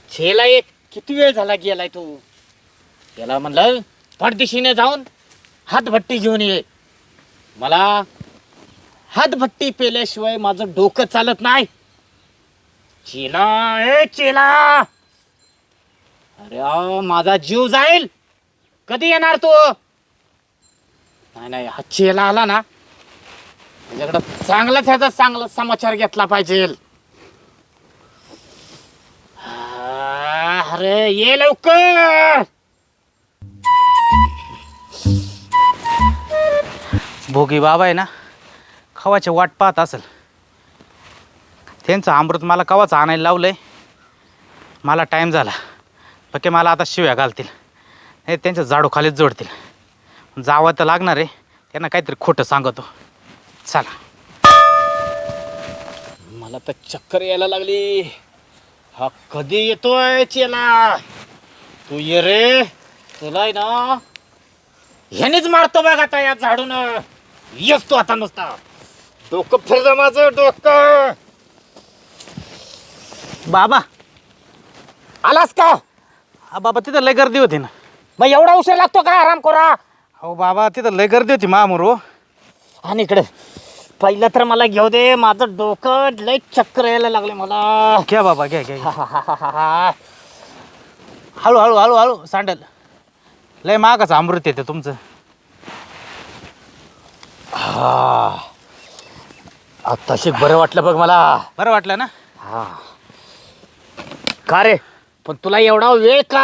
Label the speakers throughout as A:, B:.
A: छेला एक किती वेळ झाला गेलाय तू. त्याला म्हणलं पडदिशीने जाऊन हातभट्टी घेऊन ये. मला हातभट्टी पेल्याशिवाय माझं डोकं चालत नाही. चेला ए चेला, अरे माझा जीव जाईल. कधी येणार तू? नाही नाही, हा चेला आला ना माझ्याकडं चांगलाच ह्याचा चांगला समाचार घेतला पाहिजे. अरे ये लवकर.
B: भोगी बाबा आहे ना, खवाची वाट पाहत असेल. त्यांचं अमृत मला कवाच आणायला लावलंय. मला टाईम झाला, पक्के मला आता शिव्या घालतील, नाही त्यांच्या झाडू खालीच जोडतील. जावं तर लागणार आहे, त्यांना काहीतरी खोटं सांगतो. चला.
A: मला तर चक्कर यायला लागली. हा कधी येतोय चेला? तू ये रे. तुला आहे ना ह्यानेच मारतो बघ आता या झाडून. येस तू आता नुसता. डोकं फिरलं माझं डोकं.
B: बाबा
A: आलास का?
B: हा बाबा, तिथं लय गर्दी होती ना.
A: मग एवढा उशीर लागतो का आराम करा?
B: हो बाबा, तिथं लय गर्दी होती मामूर.
A: आणि इकडे पहिलं तर मला घेऊ दे. माझं डोकं लय चक्कर यायला लागले मला.
B: घ्या बाबा, घ्या घ्या.
A: हा.
B: हळू हळू हळू हळू सांडल. लय मागाचं अमृत येते तुमचं.
A: आत्ताशी बरं वाटलं बघ मला.
B: बरं वाटलं ना?
A: हा. का रे, पण तुला एवढा वेळ का?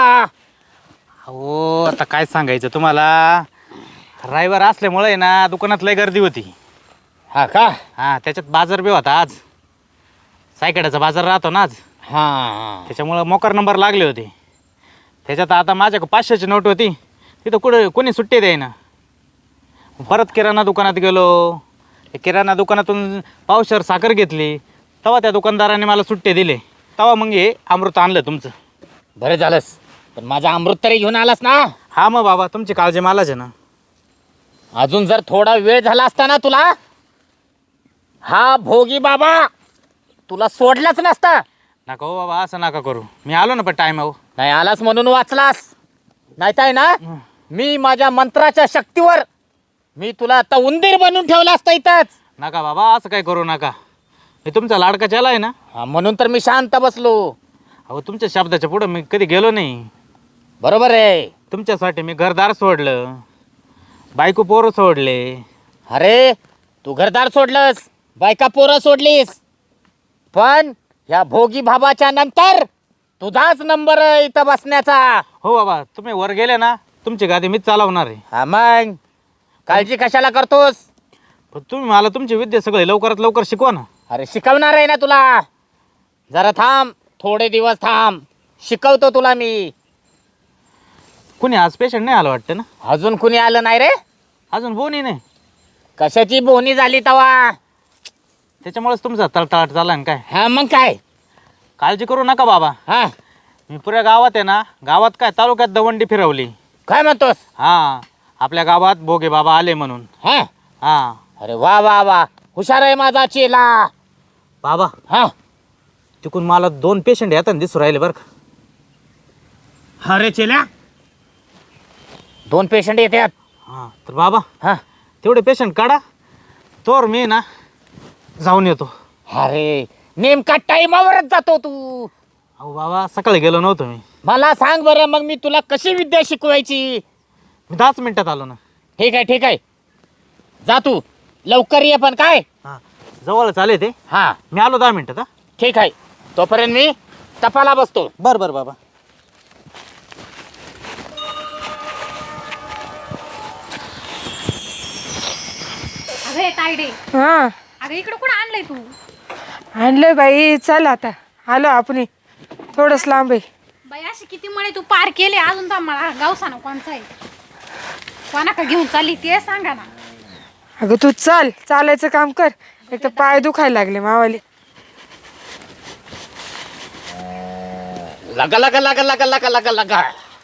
B: हो, आता काय सांगायचं तुम्हाला. रविवार असल्यामुळे ना दुकानात लय गर्दी होती.
A: हा का?
B: हां, त्याच्यात बाजार बी होता आज. सायकड्याचा बाजार राहतो ना आज.
A: हा.
B: त्याच्यामुळं मोकार नंबर लागले होते. त्याच्यात आता माझ्याकडे 500ची नोट होती. तिथं कोणी सुट्टी द्यायना. परत किराणा दुकानात गेलो. किराणा दुकानातून पावशेर साखर घेतली. तेव्हा त्या दुकानदाराने मला सुट्टे दिले. तेव्हा मग हे अमृत आणलं तुमचं.
A: बरं झालंस, पण माझा अमृत तरी घेऊन आलास ना?
B: हा मग बाबा, तुमची काळजी मलाच आहे ना.
A: अजून जर थोडा वेळ झाला असता ना तुला, हा भोगी बाबा तुला सोडलाच नसता.
B: नका हो बाबा, असं नका करू. मी आलो ना पण टाईम आहो.
A: नाही आलास म्हणून वाचलास. नाही तर ना मी माझ्या मंत्राच्या शक्तीवर मी तुला आता उंदीर बनवून ठेवला असता इथंच.
B: नका बाबा, असं काय करू नका. मी तुमचा लाडका चला आहे ना.
A: हा, म्हणून तर मी शांत बसलो.
B: अहो, तुमच्या शब्दाच्या पुढं मी कधी गेलो नाही.
A: बरोबर आहे.
B: तुमच्यासाठी मी घरदार सोडलं, बायको पोरं सोडले.
A: अरे तू घरदार सोडलंस, बायका पोरं सोडलीस, पण ह्या भोगी बाबाच्या नंतर तुझाच नंबर इथं बसण्याचा.
B: हो बाबा, तुम्ही वर गेले ना, तुमची गादी मीच चालवणार आहे.
A: हा मग काळजी कशाला करतोस?
B: पण तुम्ही मला तुमची विद्या सगळे लवकरात लवकर शिकवा ना.
A: अरे शिकवणार आहे ना तुला. जरा थांब, थोडे दिवस थांब, शिकवतो तुला मी.
B: कुणी आज पेशंट नाही आलं वाटतं ना?
A: अजून कुणी आलं नाही रे?
B: अजून बोनी नाही.
A: कशाची बोनी झाली तवा?
B: त्याच्यामुळेच तुमचा तळतळाट झाला ना काय.
A: हा मग काय?
B: काळजी करू नका बाबा.
A: हा
B: मी पुऱ्या गावात आहे ना, गावात काय तालुक्यात दवंडी फिरवली.
A: काय म्हणतोस?
B: हां, आपल्या गावात भोगे बाबा आले म्हणून.
A: हा.
B: हां
A: अरे वा वा वा, हुशार आहे माझा चेला.
B: बाबा,
A: हा.
B: तिकून मला 2 पेशंट येताना दिसू राहिले बरं का.
A: अरे चेला, 2 पेशंट येतात?
B: हां, तर बाबा
A: हा.
B: तेवढे पेशंट काढा, तोवर मी ना जाऊन येतो.
A: अरे नेमका टाइमावरच जातो तू.
B: अहो बाबा, सकाळी गेलो नव्हतो मी.
A: मला सांग बरं, मग मी तुला कशी विद्या शिकवायची?
B: मी 10 मिनिटात आलो ना.
A: ठीक आहे ठीक आहे, जा तू लवकर ये. पण काय?
B: हां, जवळच आले ते.
A: हा
B: मी आलो 10 मिनिटात. हां,
A: ठीक आहे, तोपर्यंत मी तपाला बसतो.
B: बरं बरं बाबा.
C: अरे तायडे,
D: हा
C: अगं इकडं कुठं आणलंय तू?
D: आणलंय बाई. चल आता आलो आपण. थोडंच लांब आहे.
C: बाई अशी किती म्हणे तू पार केले, अजून तर मला गावसा ना कोणचा आहे, कोणा का घेऊन चालली ते सांगा ना.
D: अगं तू चल, चालायचं काम कर. एक तर पाय दुखायला लागले मावाले.
A: लगा लगा लगा लगा लगा लगा लगा.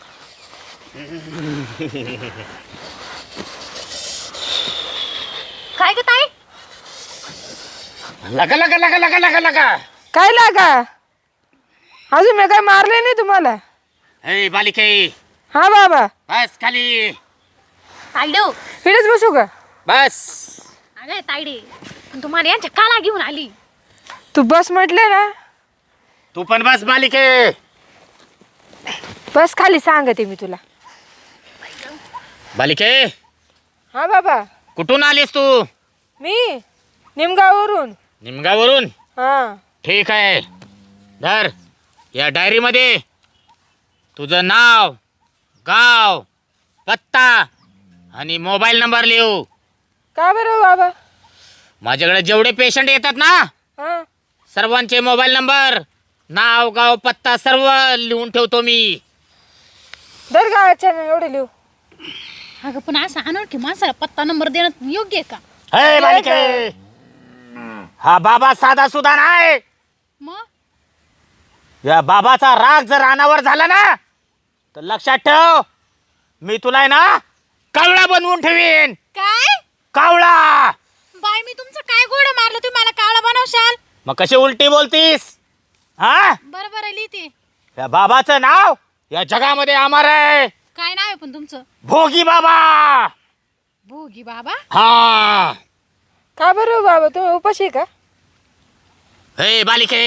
C: काय ग ताई?
A: लगा लगा लगा लगा लगा लगा.
D: काय लागा? अजून मी काय मारले नाही तुम्हाला.
A: ए बालिके,
D: हा बाबा,
A: बस खाली
C: तायडो,
D: इकडेच बसू का?
A: बस.
C: अगं तायडे, तुम्हाला यांच्या काला घेऊन आली.
D: तू बस म्हटले ना,
A: तू पण बस बालिके.
D: बस खाली सांगते मी तुला.
A: बालिके,
D: हा बाबा,
A: कुठून आलीस तू?
D: मी निमगाववरून.
A: निमगावरून?
D: हा.
A: ठीक आहे, धर या डायरीमध्ये तुझं नाव, गाव, पत्ता आणि मोबाईल नंबर लिहू.
D: का बरं बाबा?
A: माझ्याकडे जेवढे पेशंट येतात ना,
D: हा.
A: सर्वांचे मोबाईल नंबर, नाव, गाव, पत्ता सर्व लिहून ठेवतो मी.
D: दर गावाच्या एवढे लिहू.
C: अगं पण असं अनोळखी माणसाला पत्ता नंबर देणं योग्य आहे का?
A: हे बालिके, हा बाबा साधा सुद्धा नाही.
C: मग
A: या बाबाचा राग जर रानावर झाला ना, तर लक्षात ठेव, मी तुला आहे ना कावळा बनवून ठेवीन.
C: काय
A: कावळा.
C: बाय, मी तुमचं काय गोड मारलं, तुम्ही मला कावळा बनवशाल?
A: मग कशी उलटी बोलतीस? हा,
C: बरोबर आहे, लिहिते.
A: या बाबाचं नाव या जगामध्ये अमर आहे.
C: काय नाव आहे पण तुमचं?
A: भोगी बाबा.
C: भोगी बाबा.
A: हा.
D: का बरं बाबा, तुम्ही उपाशी आहे का?
A: हे बालिके,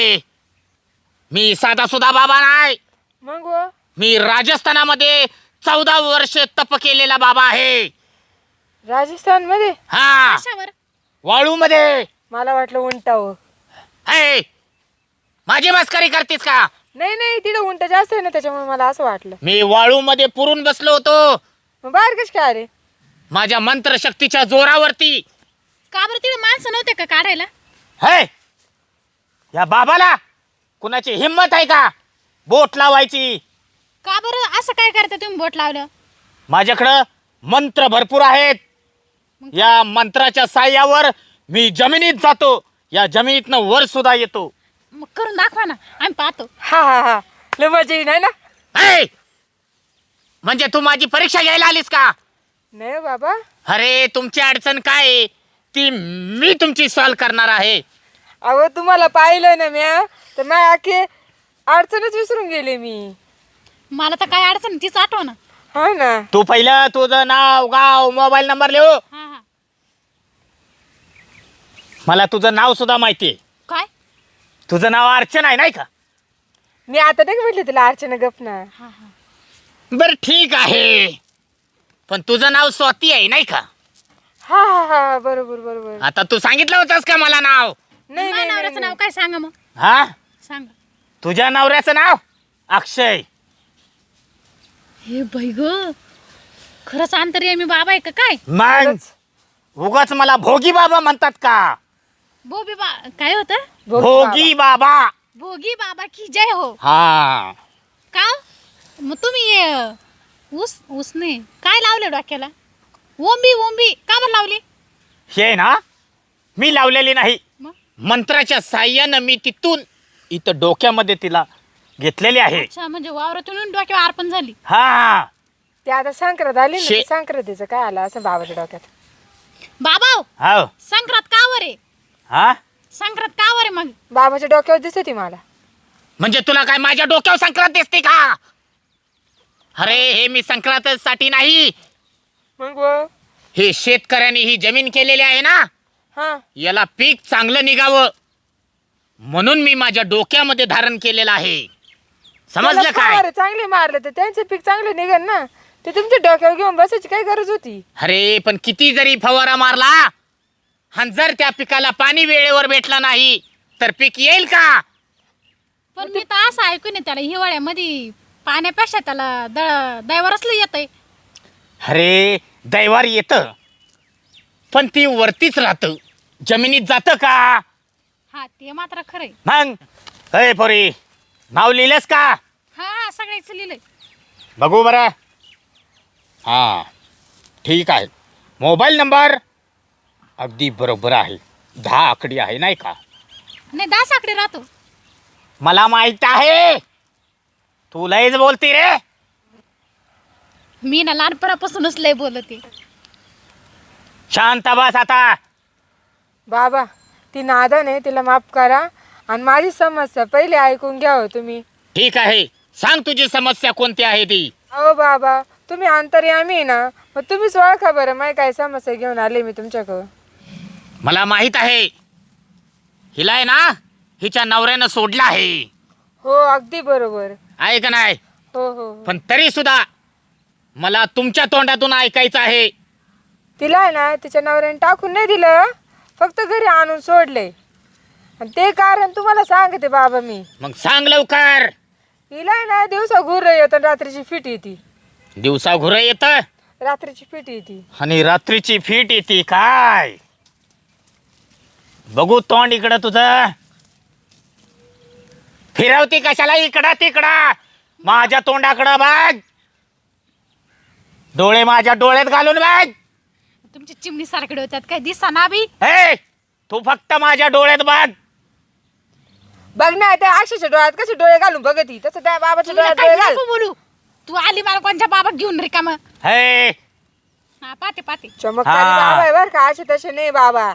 A: मी साधा सुधा बाबा नाही.
D: मग व?
A: मी राजस्थानामध्ये 14 वर्ष तप केलेला बाबा आहे.
D: राजस्थान मध्ये?
A: हा,
C: कशावर?
A: वाळू मध्ये.
D: मला वाटलं उंटावं.
A: हे, माझी मस्करी करतीस का?
D: नाही नाही, तिथं उंट जास्त आहे ना, त्याच्यामुळे मला असं वाटलं.
A: मी वाळू मध्ये पुरून बसलो होतो
D: मग बाहेर कशी काय आले?
A: माझ्या मंत्रशक्तीच्या जोरावरती.
C: का बरं तिथे माणसं नव्हते का काढायला?
A: हे, या बाबाला कुणाची हिम्मत आहे का बोट लावायची?
C: का बरं असं काय करता तुम्ही बोट लावलं?
A: माझ्याकडं मंत्र भरपूर आहेत. या मंत्राच्या साह्यावर मी जमिनीत जातो, या जमिनीतनं वर सुद्धा येतो.
C: मग करून दाखवा ना, आम्ही पाहतो.
D: हा हा हा, लय मजा येईल आहे ना?
A: हे, म्हणजे तू माझी परीक्षा घ्यायला आलीस का?
D: नाही हो बाबा.
A: अरे, तुमची अडचण काय आहे ती मी तुमची सॉल्व करणार आहे.
D: अहो तुम्हाला पाहिलं ना म्या, तर माझ्या अख्खे अडचणच विसरून गेले मी.
C: मला तर काय अडचण नाही, तीच आठव ना.
D: हा ना.
A: तू पहिलं तुझं नाव, गाव, मोबाईल नंबर लिहू.
C: हा हा.
A: मला तुझं नाव सुद्धा माहिती आहे.
C: काय?
A: तुझं नाव अर्चना आहे नाही का?
D: मी आता नाही म्हटले तुला अर्चना गपना.
C: हा हा.
A: बर ठीक आहे, पण तुझं नाव स्वाती आहे नाही का?
D: हा हा हा, बरोबर बरोबर.
A: आता तू सांगितलं होतंस का मला नाव?
D: नाही
C: माझ्या
D: नाही
C: नवऱ्याचं
D: नाही.
C: नाव काय सांगा मग?
A: हा,
C: सांगा.
A: तुझ्या नवऱ्याचं नाव अक्षय.
C: हे बाई ग, खरंच अंतर्यामी बाबा आहे का काय?
A: मग उगाच मला भोगी बाबा म्हणतात का?
C: बोबी काय होतं?
A: भोगी बाबा.
C: भोगी बाबा की जय हो.
A: हा.
C: का? मग तुम्ही ऊस नाही काय लावले डोक्याला? ओंबी ओंबी का बरं लावली?
A: हे ना मी लावलेली नाही,
C: मग?
A: मंत्राच्या साह्यानं मी तिथून इथं डोक्यामध्ये तिला घेतलेली आहे.
C: अच्छा, म्हणजे वावरातून डोक्यावर अर्पण झाली.
A: हा.
D: ते आता संक्रांत आली ना,
A: शे-
D: ते संक्रांतीचं काय आलं असं बाबाच्या डोक्यात.
C: बाबा
A: हो.
C: संक्रांत कावर आहे?
A: हा,
C: संक्रांत कावर आहे मग?
D: बाबाच्या डोक्यावर दिसत होती मला.
A: म्हणजे तुला काय माझ्या डोक्यावर संक्रांत दिसते का? अरे, हे मी संक्रांतीसाठी नाही,
D: मग व?
A: हे शेतकऱ्यांनी ही जमीन केलेली आहे ना,
D: हा.
A: याला पीक चांगलं निघावं म्हणून मी माझ्या डोक्यामध्ये धारण केलेलं आहे. समजलं
D: त्याला
A: काय?
D: फवारे चांगले मारले तर त्यांचे पीक चांगले निघेल ना. ते तुमच्या डोक्यावर घेऊन बसायची काय गरज होती?
A: अरे, पण किती जरी फवारा मारला आणि जर त्या पिकाला पाणी वेळेवर भेटला नाही तर पीक येईल का?
C: पण मी तर असं ऐकून आहे त्याला हिवाळ्यामध्ये पाण्यापेक्षा त्याला दैवरसलं येतंय.
A: अरे, दैवार येतं पण ती वरतीच राहतं, जमिनीत जातं का?
C: हा, ते मात्र खरंय.
A: मग अय पोरी, नाव लिहिलंस का?
C: हा, सगळ्याच लिहिलंय.
A: बघू बरं. हा, ठीक आहे. मोबाईल नंबर अगदी बरोबर आहे, 10 आकडी आहे नाही का?
C: नाही, 10 आकडे राहतो.
A: मला माहित आहे, तू लयच बोलती रे.
C: मी ना लहानपणापासूनच लय बोलते.
A: शांत बस आता.
D: बाबा ती नादान आहे, तिला माफ करा आणि माझी समस्या पहिले ऐकून घ्या हो तुम्ही.
A: ठीक आहे, सांग तुझी समस्या कोणती आहे ती.
D: अहो बाबा, तुम्ही अंतर्यामी ना, मग तुम्हीच ओळखा बरं. माही काय समस्या घेऊन आले मी तुमच्याकडं.
A: मला माहित आहे, हिला आहे ना हिच्या नवऱ्यानं सोडलं आहे.
D: हो, अगदी बरोबर.
A: आहे का नाही?
D: हो हो हो.
A: पण तरी सुद्धा मला तुमच्या तोंडातून ऐकायचं आहे.
D: तिला आहे ना तिच्या नवऱ्याने टाकून नाही दिलं, फक्त घरी आणून सोडले. आणि ते कारण तुम्हाला सांगते बाबा मी.
A: मग सांग लवकर.
D: हिला आहे ना दिवसा घुर येतं, रात्रीची फिट येते.
A: दिवसा घुरं येतं
D: रात्रीची फिट येते.
A: आणि रात्रीची फिट येते काय? बघू तोंड इकडं तुझं. फिरवती कशाला इकडं तिकडं? माझ्या तोंडाकडं बघ. डोळे माझ्या डोळ्यात घालून बघ.
C: तुमची चिमणी सारखे होत्यात काय दिसा ना बी.
A: हे तू फक्त माझ्या डोळ्यात बघ.
D: बघ ना त्या अक्षरच्या डोळ्यात कसे डोळे घालून बघती, तसं त्या बाबाच्या
C: तुला
D: डोळ्यात
C: काय
D: डोळे घाल.
C: नको बोलू. तू आली मला कोणच्या बाबा घेऊन रिकाम.
A: हे
C: हा पाते पाते.
D: चमत्कारी
A: हा.
D: बाबा आहे बर का, असे तसे नाही बाबा.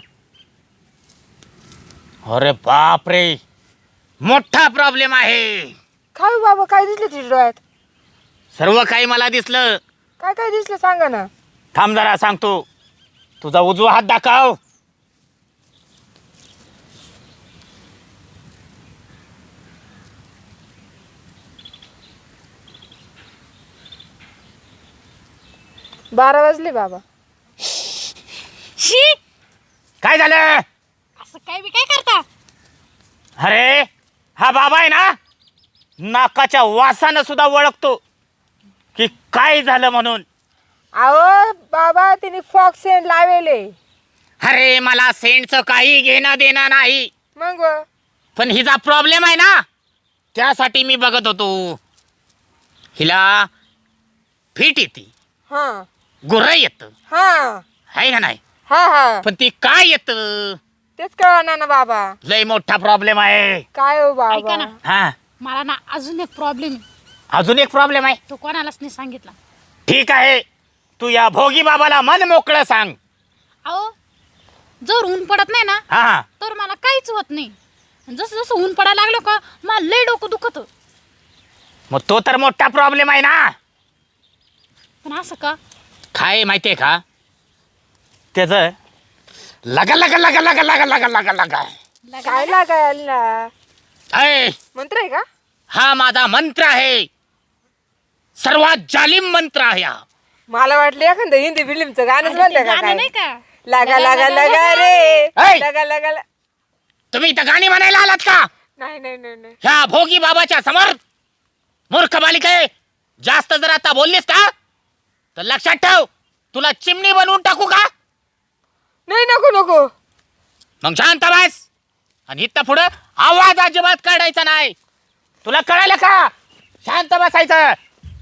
A: अरे बाप रे, मोठा प्रॉब्लेम आहे.
D: काय हो बाबा, काय दिसलं तुझ्या डोळ्यात?
A: सर्व काही मला दिसलं.
D: काय काय दिसलं सांगा ना.
A: थांब जरा सांगतो. तुझा उजवा हात दाखव.
D: बारा वाजले बाबा.
C: शी,
A: काय झालं?
C: असं काय बी काय करता?
A: अरे हा बाबा आहे ना, नाकाच्या वासानं सुद्धा ओळखतो की काय झालं म्हणून.
D: अहो बाबा, तिने फॉक्स सेंट लावेले.
A: अरे मला सेंटचं काही घेणं देणं नाही,
D: मग
A: पण हिचा प्रॉब्लेम आहे ना, त्यासाठी मी बघत होतो. हिला फिट येते,
D: हा
A: गुर्र येतं,
D: हा
A: आहे का नाही?
D: हा हा,
A: पण ती काय येतं
D: तेच कळणार ना बाबा.
A: लय मोठा प्रॉब्लेम आहे.
D: काय हो
C: ऐका
D: बाबा.
C: ना,
A: हा,
C: मला ना अजून एक प्रॉब्लेम आहे.
A: अजून एक प्रॉब्लेम आहे.
C: तो कोणालाच नाही सांगितला.
A: ठीक आहे, तू या भोगी बाबाला मन मोकळं सांग.
C: अहो, जर ऊन पडत नाही ना
A: हा,
C: तर मला काहीच होत नाही. जसं जसं ऊन पडायला लागलं का मला लय डोकं दुखत.
A: मग तो तर मोठा प्रॉब्लेम आहे ना.
C: पण असं का?
A: काय माहितीये का, त्याच लगा लगा लगा लगा लगा लगा लगा लगा
D: काय लागायला?
A: अय,
D: मंत्र आहे का?
A: हा माझा मंत्र आहे, सर्वात जालिम मंत्र आहे हा.
D: मला वाटलं एखादं हिंदी फिल्मचं गाणंच
C: अरे,
D: म्हणतं
C: ते
D: का
C: गाणं
D: काय?
C: नाही का?
D: लगा लगा लगा रे,
A: ऐ!
D: लगा लगा
A: तुम्ही इथं गाणी म्हणायला आलात का?
D: नाही नाही नाही नाही.
A: ह्या भोगी बाबाच्या समोर? मूर्ख बालिके, जास्त जर आता बोललीस का तर लक्षात ठेव, तुला चिमणी बनवून टाकू का?
D: नाही, नको नको.
A: मग शांत बस, आणि इथं पुढं आवाज अजिबात काढायचा नाही. तुला कळालं का? शांत बसायचं.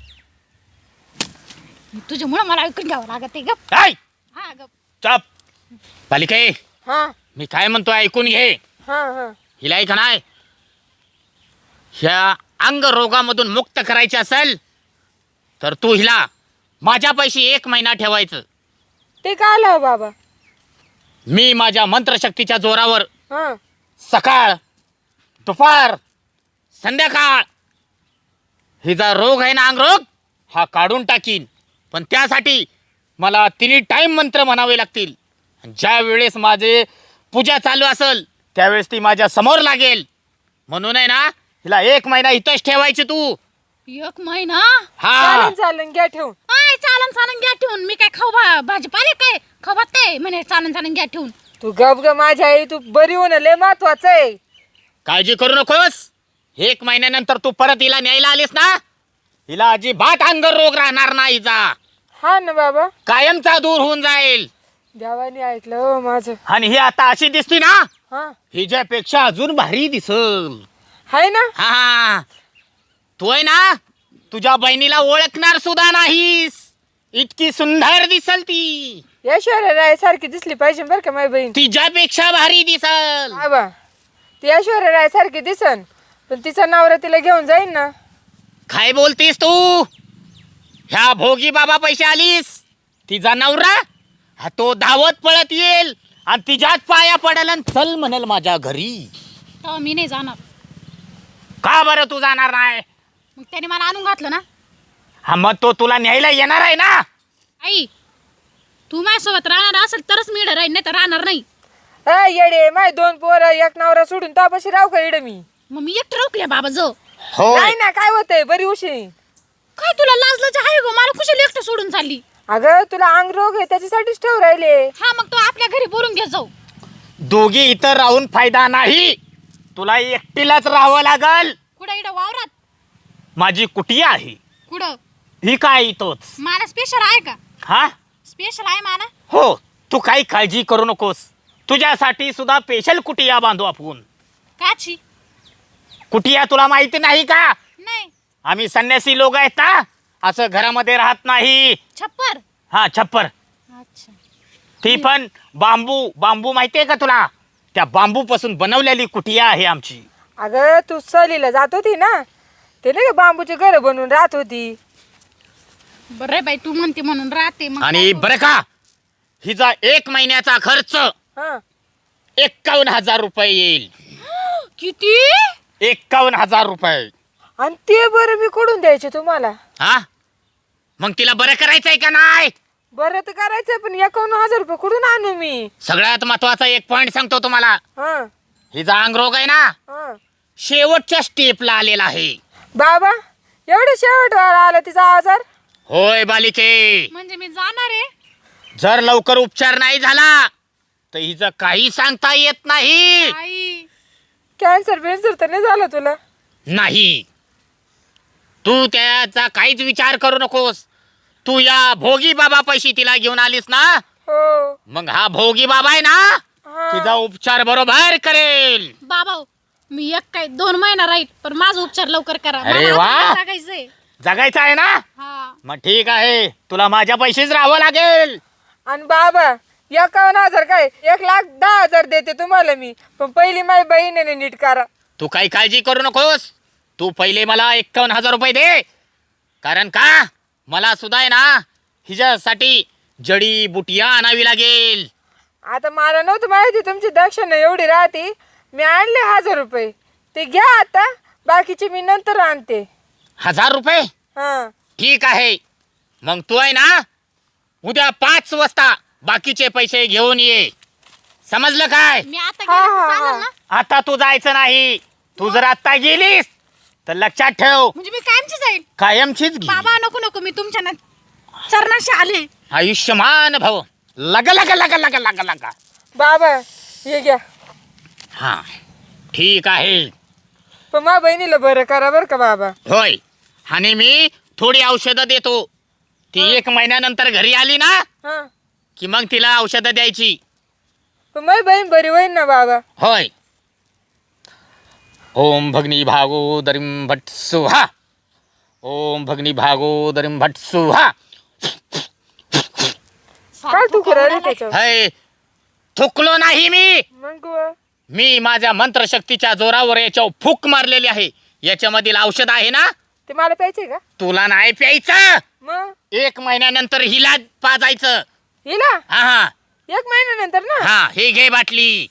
C: तुझ्यामुळे मला ऐकून घ्यावं लागत आहे. गप.
A: ऐ,
C: हा गप.
A: चप. बालिके,
D: हा
A: मी काय म्हणतो ऐकून घे.
D: हा हा.
A: हिला ऐक नाही, ह्या अंग रोगामधून मुक्त करायची असेल तर तू हिला माझ्या पैशी 1 महिना ठेवायचं.
D: ते काय आलं हो बाबा?
A: मी माझ्या मंत्रशक्तीच्या जोरावर
D: हा
A: सकाळ, दुपार, संध्याकाळ हिचा रोग आहे ना, अंगरोग, हा काढून टाकीन. पण त्यासाठी मला 3 टाइम मंत्र म्हणावे लागतील. ज्या वेळेस माझे पूजा चालू असेल त्यावेळेस ती माझ्या समोर लागेल. म्हणून आहे ना, हिला 1 महिना इथंच ठेवायची तू.
C: 1 महिना?
A: हा,
D: चालेल चालेल, घ्या ठेवून.
C: आय चालन चालन घ्या ठेवून. मी काय खाऊ भाजीपाले काय खावात काय म्हणे चालन चालन घ्या ठेवून.
D: तू गप ग माझ्या आई, तू बरी होणं लय महत्वाचं आहे.
A: काळजी करू नकोस. 1 महिन्यानंतर तू परत हिला न्यायला आलीस ना, हिला अजिबात अंग रोग राहणार नाही. हिचा
D: हा ना बाबा,
A: कायमचा दूर होऊन जाईल.
D: देवाने ऐकलं हो माझं.
A: आणि ही आता अशी दिसती ना,
D: हा
A: हिच्यापेक्षा अजून भारी दिसल.
D: हाय ना.
A: हा, तू आहे ना, तुझ्या बहिणीला ओळखणार सुद्धा नाहीस, इतकी सुंदर दिसल ती.
D: ऐश्वर्या राय सारखी दिसली पाहिजे बरं का माझी बहीण.
A: तिच्यापेक्षा भारी दिसल.
D: बाबा, ती ऐश्वर्या राय सारखी दिसन, पण तिचा नवरा तिला घेऊन जाईन ना.
A: काय बोलतीस तू? ह्या भोगी बाबा पैसे आलीस, तिचा नवरा हा तो धावत पळत येईल आणि तिच्याच पाया पडेल आणि चल म्हणेल माझ्या घरी.
C: तेव्हा मी नाही जाणार.
A: का बरं तू जाणार नाही?
C: मग त्याने मला आणून घातलं ना.
A: हा मग तो तुला न्यायला येणार आहे ना.
C: आई तू माझ्यासोबत राहणार असेल तरच मी इकडे राहीन, नाही तर राहणार नाही.
D: येडे माय 2 पोरं एक नवरा सोडून तापाशी राहू का इडे मी?
C: मग मी एकटं राहू का बाबा जो?
A: होय
D: नाही ना, काय होतंय बरी उशी.
C: काय तुला लाजलाच आहे गो? मला कुशल एकटं सोडून चालली.
D: अगं तुला अंग रोग आहे त्याच्यासाठीच ठेव राहिले.
C: हा मग तो आपल्या घरी बोलून घे जाऊ.
A: दोघी इथं राहून फायदा नाही, तुला एकटीलाच राहावं लागल.
C: कुठं इकडं वावरात?
A: माझी कुटिया आहे
C: कुठं?
A: ही काय इथंच.
C: मला स्पेशल आहे का?
A: हा
C: स्पेशल आहे मला.
A: हो, तू काही काळजी करू नकोस. तुझ्यासाठी सुद्धा स्पेशल कुटिया बांधू आपण.
C: काची?
A: कुटिया तुला माहिती नाही का?
C: नाही.
A: आम्ही संन्यासी लोक आहेत ना, असं घरामध्ये राहत नाही.
C: छप्पर.
A: हा छप्पर.
C: अच्छा.
A: ती पण बांबू माहितीये का तुला? त्या बांबू पासून बनवलेली कुटिया आहे आमची.
D: अगं तू सहलीला जात होती ना, ते नाही का बांबूची घर बनवून राहत होती.
C: बरं बाई तू म्हणते म्हणून राहते मग.
A: आणि बरं का, हिचा 1 महिन्याचा खर्च
D: हा
A: 51,000 रुपये येईल.
C: किती?
A: 51,000 रुपये.
D: आणि ते बरं मी कुठून द्यायचे तुम्हाला?
A: हा मग तिला बरं करायचंय का नाही?
D: बरं तर करायचं, पण 51,000 रुपये कुठून आणू मी?
A: सगळ्यात महत्वाचा एक पॉइंट सांगतो तुम्हाला.
D: हा
A: हिचा अंगरोग आहे ना,
D: हा
A: शेवटच्या स्टेपला आलेला आहे.
D: बाबा एवढं शेवट आला तिचा आजार?
A: होय बालिके,
C: म्हणजे मी जाणार आहे.
A: जर लवकर उपचार नाही झाला तर हिचं काही सांगता येत नाही.
C: आई
D: कॅन्सर बिन्सर तर नाही झालं तुला?
A: नाही, तू त्याचा काहीच विचार करू नकोस. तू या भोगी बाबा पैशी तिला घेऊन आलीस ना,
D: हो.
A: मग हा भोगी बाबा आहे ना,
D: हा.
A: तिचा उपचार बरोबर करेल.
C: बाबा मी एक काय 2 महिना राहील, पण माझा उपचार लवकर करा.
A: अरे
C: मला
A: वा.
C: आता लागायचंय.
A: जगायचं आहे ना,
C: हा.
A: मग ठीक आहे, तुला माझ्या पैसेच राहावं लागेल.
D: आणि बाबा 51,000 काय 1,10,000 देते तुम्हाला मी, पण पहिली माझी बहिणीने नीट करा.
A: तू काही काळजी करू नकोस. तू पहिले मला 51,000 रुपये दे. कारण का, मला सुद्धा आहे ना हिच्यासाठी जडी बुटिया आणावी लागेल.
D: आता मला नव्हतं माहिती तुमची दक्षिणा एवढी राहते. मी आणले 1,000 रुपये, ते घ्या आता, बाकीचे मी नंतर आणते.
A: 1,000 रुपये?
D: हा
A: ठीक आहे, मग तू आहे ना उद्या 5 वाजता बाकीचे पैसे घेऊन ये. समजलं काय?
C: मी आता
D: हा,
C: गेले
D: हा,
C: तर चालेल
D: हा.
C: ना?
A: आता तू जायचं नाही. तू जर आता गेलीस तर लक्षात ठेव,
C: म्हणजे मी कायमची जाईल.
A: कायमचीच घे.
C: बाबा नको नको, मी तुमच्या ना चरणाशी आले.
A: आयुष्यमान भव. लगा लगा लगा लगा लगा लगा.
D: बाबा हे घ्या,
A: हा ठीक आहे.
D: पण माझ्या बहिणीला बरं करा बरं का बाबा.
A: होय, आणि मी थोडी औषधं देतो. ती 1 महिन्यानंतर घरी आली ना,
D: हा
A: की मग तिला औषधं द्यायची.
D: पण माझी बहीण बरी होईल ना बाबा?
A: होय. ओम भगनी भागोदरीं भट सुहा. ओम भगनी भागोदरीं भट सुहा.
D: काय तू करायला त्याच्यावर?
A: हय, थुकलो नाही मी.
D: मग
A: मी माझ्या मंत्रशक्तीच्या जोरावर याच्यावर फूक मारलेली आहे. याच्यामधील औषध आहे ना,
D: ते मला प्यायचंय का?
A: तुला नाही प्यायचं.
D: मग
A: 1 महिन्यानंतर हिला पाजायचं.
D: हिला
A: हा हा
D: 1 महिन्यानंतर ना?
A: हा, हे घे बाटली.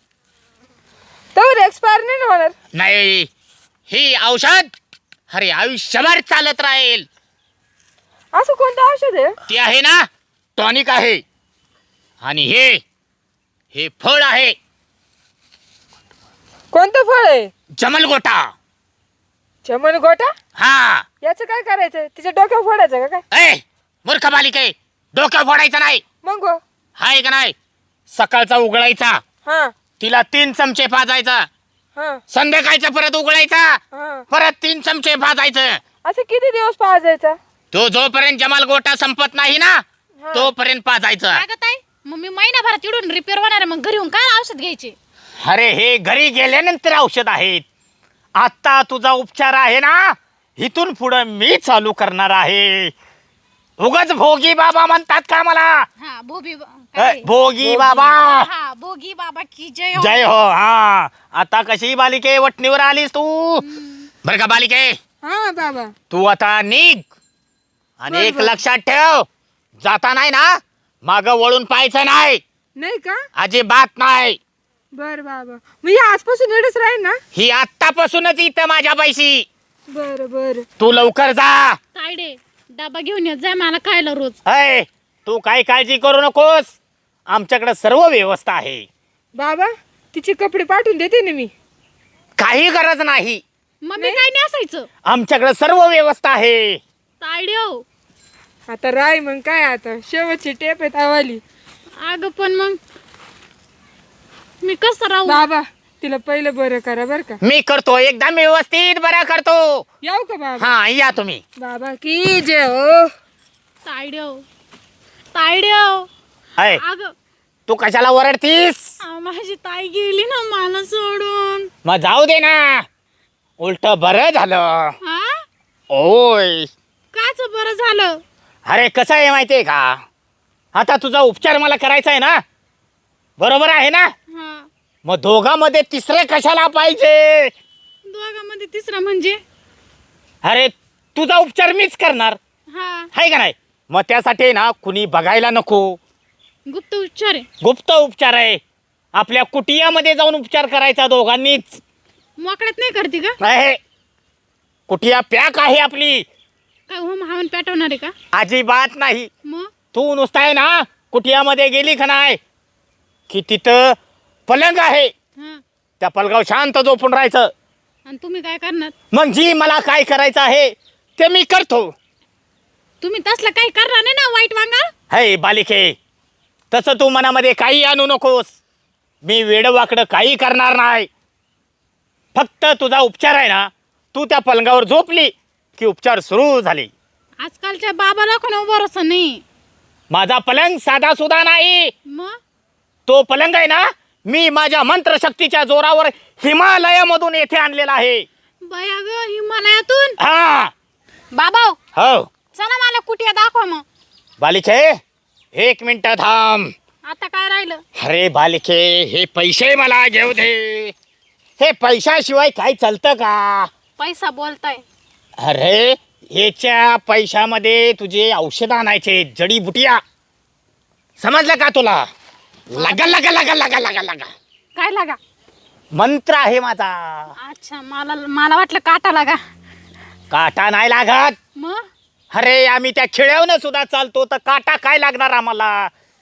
D: तर एक्सपायर नाही ना होणार?
A: नाही, ही औषध अरे आयुष्यभर चालत राहील.
D: असं कोणतं औषध आहे?
A: ती आहे ना टॉनिक आहे. आणि हे फळ आहे,
D: कोणतं फळ आहे?
A: जमलगोटा.
D: चमन गोटा?
A: हा.
D: याचं काय करायचं? तिच्या डोक्यावर फोडायचं का काय?
A: ए मूर्ख बालिके, डोक्यावर फोडायचं नाही.
D: मग
A: हाय का नाही? सकाळचा उघडायचा,
D: हा
A: तिला 3 चमचे पाजायचा.
D: हा
A: संध्याकाळचा परत उघडायचा,
D: हा
A: परत 3 चमचे पाजायचं.
D: असं किती दिवस पाजायचा?
A: तो जोपर्यंत जमालगोटा संपत नाही ना,
D: हा.
A: तोपर्यंत पाजायचं.
C: लागत आहे मग मी महिनाभरात इडून रिपेअर होणार आहे. मग घरी येऊन काय औषध घ्यायचे?
A: अरे हे घरी गेल्यानंतर औषध आहेत. आता तुझा उपचार आहे ना, इथून पुढं मी चालू करणार आहे. उगाच भोगी बाबा म्हणतात का मला?
C: हा भोगी
A: भोगी बाबा.
C: हा भोगी बाबा की जय हो.
A: जय हो. हा, आता कशी बालिके वटणीवर आलीस तू? बर का बालिके,
D: हा बाबा.
A: तू आता निघ. आणि एक
D: बरोबर.
A: लक्षात ठेव, जाता नाही ना माग वळून पाहायचं नाही.
D: नाही का?
A: अजिबात नाही.
D: बर बाबा मी आजपासून एवढंच राहील ना.
A: ही आत्तापासूनच इथं माझ्या पैशी.
D: बर बर.
A: तू लवकर जा.
C: तायडे डबा घेऊन येत जाय मला खायला रोज.
A: अय तू काही काळजी करू नकोस, आमच्याकडे सर्व व्यवस्था आहे.
D: बाबा तिचे कपडे पाठवून देते ना मी.
A: काही गरज नाही,
C: मम्मी काय नाही असायचं.
A: आमच्याकडे सर्व व्यवस्था आहे.
C: तायडे हो.
D: आता राय मग काय, आता शेवटची टेप आहे तावाली.
C: अगं पण मग मी कसं राहू.
D: बाबा तिला पहिलं बरं करा बर का.
A: मी करतो, एकदम व्यवस्थित बरा करतो.
D: येऊ का बाबा.
A: हा या तुम्ही.
D: बाबा की जय हो.
C: तायडे हो. तायडे हो.
A: अय
C: अगं
A: तू कशाला ओरडतीस.
C: माझी ताई गेली ना मला सोडून.
A: मग जाऊ दे ना, उलट बरं झालं.
C: हा
A: ओय
C: काच बरं झालं.
A: अरे कसं आहे माहितीये का, आता तुझा उपचार मला करायचा आहे ना, बरोबर आहे ना.
C: हा
A: मग दोघांमध्ये तिसरे कशाला पाहिजे.
C: दोघांमध्ये तिसरा म्हणजे.
A: अरे तुझा उपचार मीच करणार
C: हा
A: आहे का नाही. मग त्यासाठी ना कुणी बघायला नको.
C: गुप्त उच्चार आहे.
A: गुप्त उपचार आहे, आपल्या कुटियामध्ये जाऊन उपचार करायचा दोघांनीच.
C: मोकळ्यात नाही करते का.
A: आहे कुटिया पॅक आहे आपली.
C: काय होम हवन पेटवणार आहे का.
A: अजिबात नाही.
C: मग
A: तू नुसता आहे ना कुटियामध्ये गेली का नाही की तिथं पलंग आहे,
C: हा
A: त्या पलंगावर शांत झोपून राहायचं.
C: आणि तुम्ही काय करणार.
A: मग जी मला काय करायचं आहे ते मी करतो.
C: तुम्ही तसलं काही करणार नाही ना वाईट वांगा.
A: हे बालिके, तसं तू मनामध्ये काही आणू नकोस. मी वेडवाकडं काही करणार नाही. फक्त तुझा उपचार आहे ना, तू त्या पलंगावर झोपली की उपचार सुरू झाले.
C: आजकालच्या बाबाला कोणा भरोसा नाही.
A: माझा पलंग साधा सुद्धा नाही.
C: मग
A: तो पलंग आहे ना, मी माझ्या मंत्रशक्तीच्या जोरावर हिमालयामधून येथे आणलेला आहे.
C: बया ग हिमालयातून.
A: हा
C: बाबा
A: हो.
C: चला मला कुठे दाखवा मग.
A: बालिके 1 मिनिट थांब.
C: आता काय राहिलं.
A: अरे बालिके, हे पैसे मला घेऊ दे. हे पैशाशिवाय काय चालतं का.
C: पैसा बोलताय.
A: अरे याच्या पैशामध्ये तुझे औषध आणायचे, जडीबुटिया. समजलं का तुला. लगा लगा लगा लगा लगा लगा
C: काय लागा.
A: मंत्र आहे माझा.
C: अच्छा मला मला वाटलं काटा लागा.
A: काटा नाही लागत.
C: मग
A: अरे आम्ही त्या खिळ्यावनं सुद्धा चालतो, तर काटा काय लागणार आम्हाला.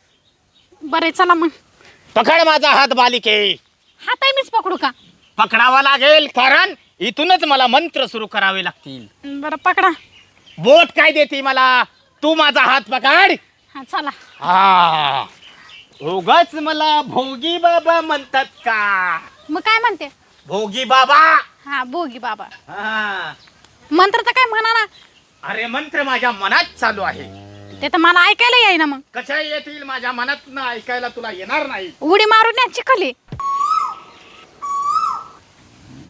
C: बरे चला मग.
A: पकड माझा हात बालिके.
C: हात आहे मीच पकडू का.
A: पकडावा लागेल, कारण इथूनच मला मंत्र सुरू करावे लागतील.
C: बरं पकडा.
A: बोट काय देते मला, तू माझा हात पकड.
C: हा चला.
A: हा उगाच मला भोगी बाबा म्हणतात का.
C: मग काय म्हणते.
A: भोगी बाबा.
C: हा भोगी बाबा.
A: हा.
C: मंत्र तर काय म्हणा ना.
A: अरे मंत्र माझ्या मनात चालू आहे.
C: ते तर मला ऐकायला येईना मग.
A: कशा येतील माझ्या मनात ऐकायला तुला येणार नाही.
C: उडी मारून या चिखली.